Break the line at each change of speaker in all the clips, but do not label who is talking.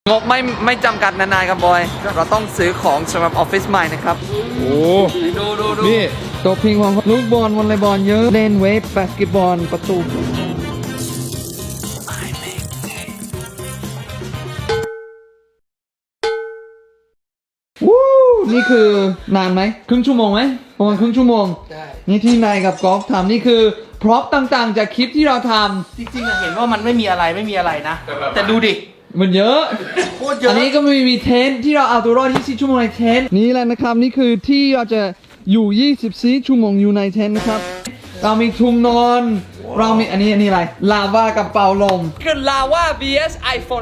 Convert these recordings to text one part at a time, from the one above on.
งบไม่จำกัดนานๆครับบอยเราต้องซื้อของสำหรับออฟฟิศใหม่นะครับ
โอ้
ดู
นี่
ตัวพิงของลูกบอลวอลเลย์บอลเยอะเล่นเวฟบาสเกตบอลประตูวู้นี่คือนานไหมครึ่งชั่วโมงไหมประมาณครึ่งชั่วโมงนี่ที่นายกับกอล์ฟทำนี่คือพร็อพต่างๆจากคลิปที่เราท
จริงๆเห็นว่ามันไม่มีอะไรนะ แต่ดูดิ
ำมันเยอะ
โคตรเยอะ
อันนี้ก็มีเทนท์ที่เราเอาตัวรอด24ชั่วโมงในเทนท์นี่แหละนะครับนี่คือที่เราจะอยู่24ชั่วโมงอยู่ในเทนท์นะครับเรามีทุ่งนอนเรามีอันนี้อะไรลาวากับเป่าลม
คือ Lava vs iPhone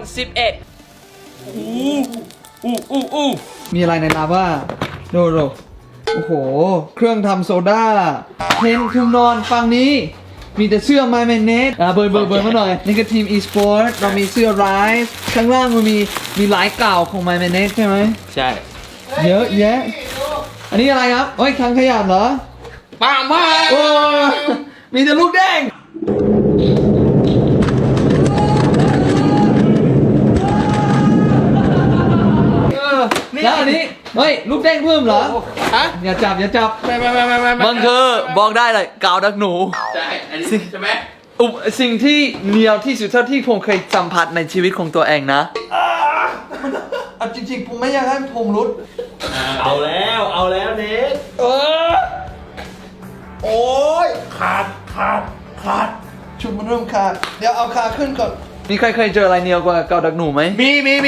11
มีอะไรในลาวาดูโอ้โหเครื่องทำโซดาเทนท์ทุ่งนอนฝั่งนี้มีแต่เสื้อ My Man Net เบอร์มาหน่อยนี่ก็ทีม e-sport เรามีเสื้อ Rise ข้างล่างมันมีลายเก่าของ My Man Net ใช่ไหม
ใช่
เยอะแยะอันนี้อะไรครับโอ้ยถังขยะเหรอ
ปังมาก
โอ้มีแต่ลูกแดงแล้วอันนี้เฮ้ยลูกแดงเพิ่มเหรอ
ฮะ
อย่าจับ
ไม่
มันคือบอกได้เลยกาวดักหนู
ใช่อันนี้ใช่ไหม
สิ่งที่เหนียวที่สุดเท่าที่ผมเคยสัมผัสในชีวิตของตัวเองนะ
เอาจริงๆผมไม่อยากให้ผมรุด
เอาแล้วเน็กโอ้ยขาด
ชุดมันเริ่มขาดเดี๋ยวเอาขาขึ้นก่อน
มีใครเคยเจออะไรเหนียวกว่าเกาดักหนูไหม
มี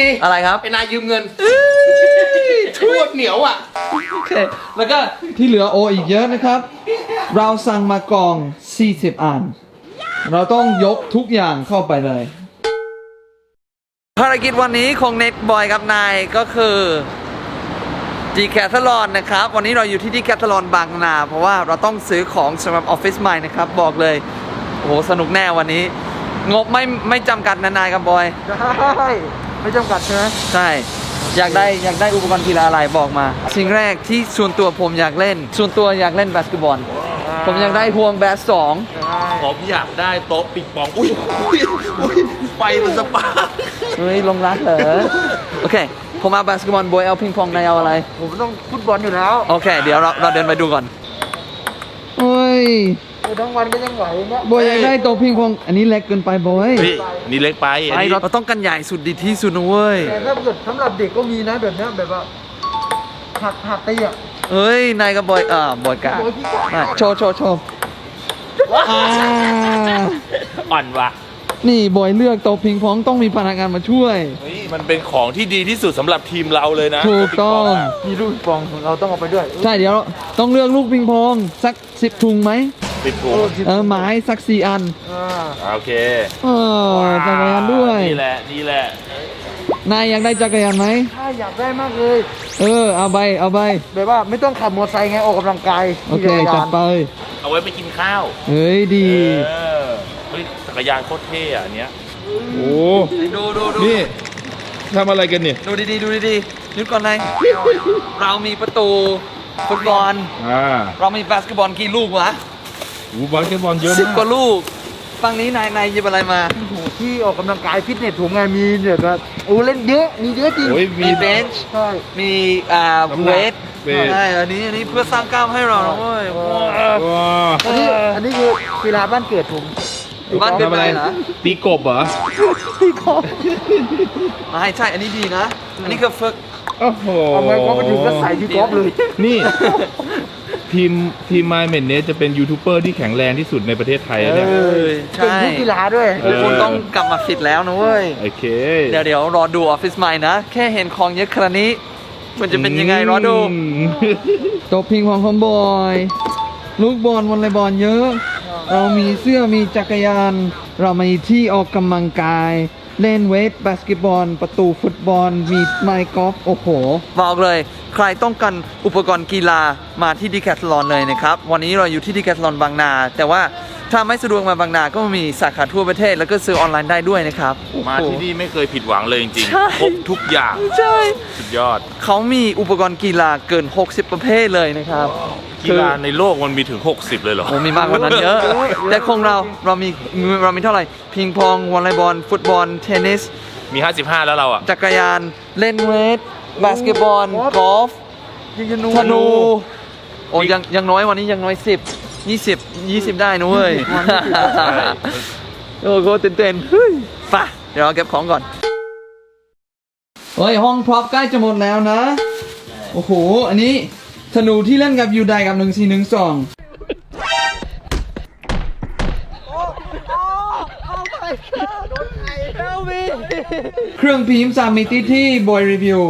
อะไรครับ
ไอ้นายยืมเงินโคตรเหนียวอ่ะ
โอเค
แล้วก็ที่เหลือโออีกเยอะนะครับ เราสั่งมากอง40อันเราต้องยกทุกอย่างเข้าไปเลย
ภารกิจวันนี้ของเน็ตบอยกับนายก็คือดีแคทลอนนะครับวันนี้เราอยู่ที่ดีแคทลอนบางนาเพราะว่าเราต้องซื้อของสำหรับออฟฟิศใหม่นะครับบอกเลยโอ้โหสนุกแน่วันนี้ งบไม่จำกัดนานๆครับบอย
ได้ไม่จำกัดใช่ไหม
ใช่อยากได้อุปกรณ์กีฬาอะไรบอกมา สิ่งแรกที่ส่วนตัวผมอยากเล่นบาสเกตบอลผมอยากได้พวงแบส2
ผมอยากได้โต๊ะปิงปองอุ้ยไฟมันสปาร์ค
เฮ้ยลงรักเหรอโอเคผมเอาบาสเกตบอลบอยเอาพิงปองนายเอาอะไร
ผมต้องฟุตบอลอยู่แล้ว
โอเคเดี๋ยวเราเดินไปดูก่อน
โอ้ย
ทั้งวันก็ยังไหวเนี่ย
บอยอยากได้โต๊ะพิงพองอันนี้เล็กเกินไปบอย
พี่นี่เล็กไปอันนี้
เราต้องกันใหญ่สุดดีที่สุดนะเว้ย
แต่ถ้าเกิดสำหรับเด็กก็มีนะแบบเนี้ยแบบว่าหักตีอ่ะ
เฮ้ยนายกับบอยบอยกาโชว์
อ่า
อ่อนว่ะ
นี่บอยเลือกโต๊ะพิงพองต้องมีพนักงานมาช่วย
เฮ้ยมันเป็นของที่ดีที่สุดสำหรับทีมเราเลยนะ
ถูกต้อง
มีลูกปองของเราต้องเอาไปด้วย
ใช่เดี๋ยวต้องเลือกลูกปิงพองสัก10ถุงไหม
ปิดถุง
ไม้สัก4อัน
โอเค
จักรยานด้วย
นี่แหละ
นายอยากได้จักรยานไหม
ถ้าอยากได้มากเลย
เอาไป
แบบว่าไม่ต้องขับมอเตอร์ไซค์ไงออกกำลังกาย
โอเคจัดไป
เอาไว้ไปกินข้าว
เฮ้ยดี
เฮ้ยจักรยานโคตรเท่อะอันเนี้ย
โอ้
ดู
นี่ทำอะไรกันเนี่ย
ดูดีนึกก่อนนายเรามีประตูฟุตบอลเรามีบาสเกตบอลกี่ลูกวะ
โอ้บาสเกตบอลเยอะ
10
มาก
กว่าลูกฝั่งนี้นายหยิบอะไรมา
โอ้โหที่ออกกำลังกายฟิตเนสถุงไงมีเนี่ยก็โอ้เล่นเยอะมีเยอะจริง
โอ้ยมี
มีเบนช์
ใช่
มี
น้ำหนัก
เวท
เวท
ใช่อันนี้เพื่อสร้างกล้ามให้เรานะเว้ย
ว้า
อันนี้คือกีฬาบ้านเกิดผม
บ้านเป็น
ทำอะไร
ไรเหรอ
ตีกบเหรอ
ไม่ใช่ อันนี้ดีนะ อันนี้คือฝึก
โอ้โห
เอาไว้พอไปถึงก็ใส่ที่กอล์ฟเลย
นี่ ทีมไมเมนเนสจะเป็นยูทูบเบอร์ที่แข็งแรงที่สุดในประเทศไทยนะเนี่ย
ใช่
เป็นทุกกีฬาด้วย
คุณต้องกลับมาฟิตแล้วนะเว้ย
โอเค
เดี๋ยวรอดูออฟฟิศใหม่นะ แค่เห็นของเยอะขนาดนี้ มันจะเป็นยังไงรอดู
โต๊ะพิงพองของบอย ลูกบอลวอลเลย์บอลเยอะ เรามีเสื้อมีจักรยาน เรามีที่ออกกำลังกาย เล่นเวฟบาสเกตบอล ประตูฟุตบอล มีไมค์กอล์ฟโอ้โห
บอกเลย ใครต้องการอุปกรณ์กีฬามาที่ดีแคทลอนเลยนะครับ วันนี้เราอยู่ที่ดีแคทลอนบางนา แต่ว่าถ้าไม่สะดวกมาบางนาก็มีสาขาทั่วประเทศ แล้วก็ซื้อออนไลน์ได้ด้วยนะครับ
มาที่นี่ไม่เคยผิดหวังเลยจริง
ใช่
ๆครบทุกอย่าง
ใช่
สุดยอด
เขามีอุปกรณ์กีฬาเกิน 60 ประเภทเลยนะครับ
กีฬาในโลกมันมีถึง 60 เลยเหรอ
โอ้มีมากกว่านั้นเยอะ แต่ของเรามีเท่าไหร่ พิงพอง วอลเลย์บอล ฟุตบอล เทนนิส
มี 55 แล้วเราอ่ะ
จักรยานเล่นเวทบาสเกตบอลกอล์ฟ
ยิงธนู
ธนู โอ้ยังน้อยวันนี้ยังน้อย20 ได้นะเว้ย โอ้โหเต้นๆเฮ้ยไปเดี๋ยวเราเก็บของก่อน
เฮ้ย ห้องพร็อพใกล้จะหมดแล้วนะ โอ้โห อันนี้ธนูที่เล่นกับยูไดกับ1412เครื่องพิมพ์3มิติที่บอยรีวิว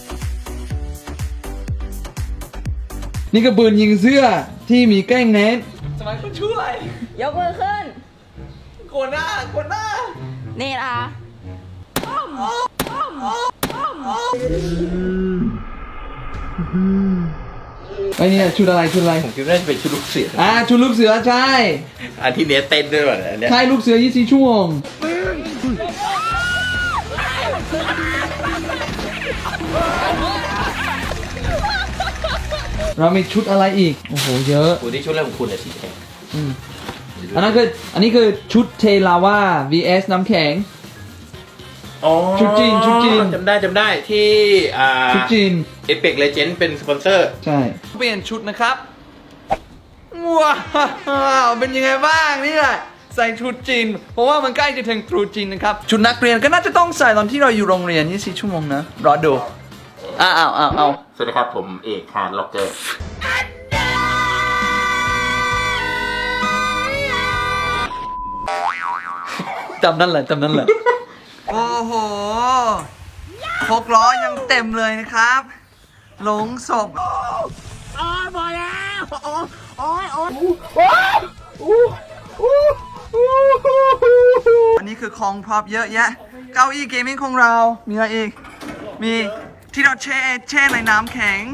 นี่ก็ปืนยิงเสื้อที่มีแกล้งเน็ต
สมัยคนช่วย
ยกมือขึ้น
โกนหน้า
นี่นะคะ
ไอ้เนี่ยชุดอะไร
ผมคิดว่าน่าจะเป็นชุดลูกเสือ
ชุดลูกเสือใช่
อันที่เนสเต้นด้วยว่ะอันเนี้ย
ใช่ลูกเสือ24ชั่วโมง เรามีชุดอะไรอีก โอ้โห เยอะ
คุณที่ชุดแรกของคุณอะสีแดง
อันนี้คือชุดเทลาวา vs น้ำแข็ง
อ๋อ
ชุดจีน
จำได้ที่
ชุดจีน
เอเปกเลเจนด์เป็นสปอนเซอร์
ใช่
เปลี่ยนชุดนะครับ ว้าวเป็นยังไงบ้างนี่แหละใส่ชุดจีน เพราะว่ามันใกล้จะถึงตรุษจีนนะครับ ชุดนักเรียนก็น่าจะต้องใส่ตอนที่เราอยู่โรงเรียน24ชั่วโมงนะ รอดูอ้าว
สวัสดีครับ ผมเอกฮาร์ดล็อกเกอร์
จำนั่นแหละ โอ้โห6ล้อยังเต็มเลยนะครับ หลงศพอันนี้คือของพร็อพเยอะแยะ เก้าอี้เกมมิ่งของเรา มีอะไรอีก มีที่เราแช่ในน้ำแข็ง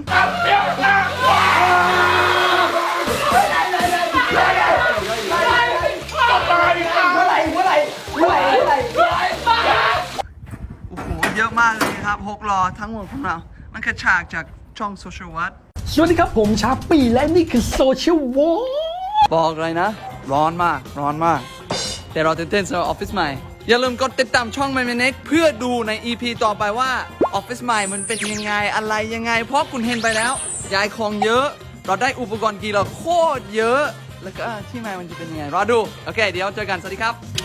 โอ้โห เยอะมากเลยครับ6ล้อทั้งหมดของเรา มันกระฉากจากช่องโซเชียลวัต
สวัสดีครับผมชาปีและนี่คือโซเชียลวอล
บอกเลยนะ ร้อนมาก แต่เราตื่นเต้นสำหรับออฟฟิศใหม่ อย่าลืมกดติดตามช่อง My Minute เพื่อดูใน EP ต่อไปว่าออฟฟิศใหม่มันเป็นยังไงอะไรยังไง เพราะคุณเห็นไปแล้ว ย้ายของเยอะ เราได้อุปกรณ์กีฬาโคตรเยอะ แล้วก็ที่ใหม่มันจะเป็นยังไง รอดู โอเค เดี๋ยวเจอกัน สวัสดีครับ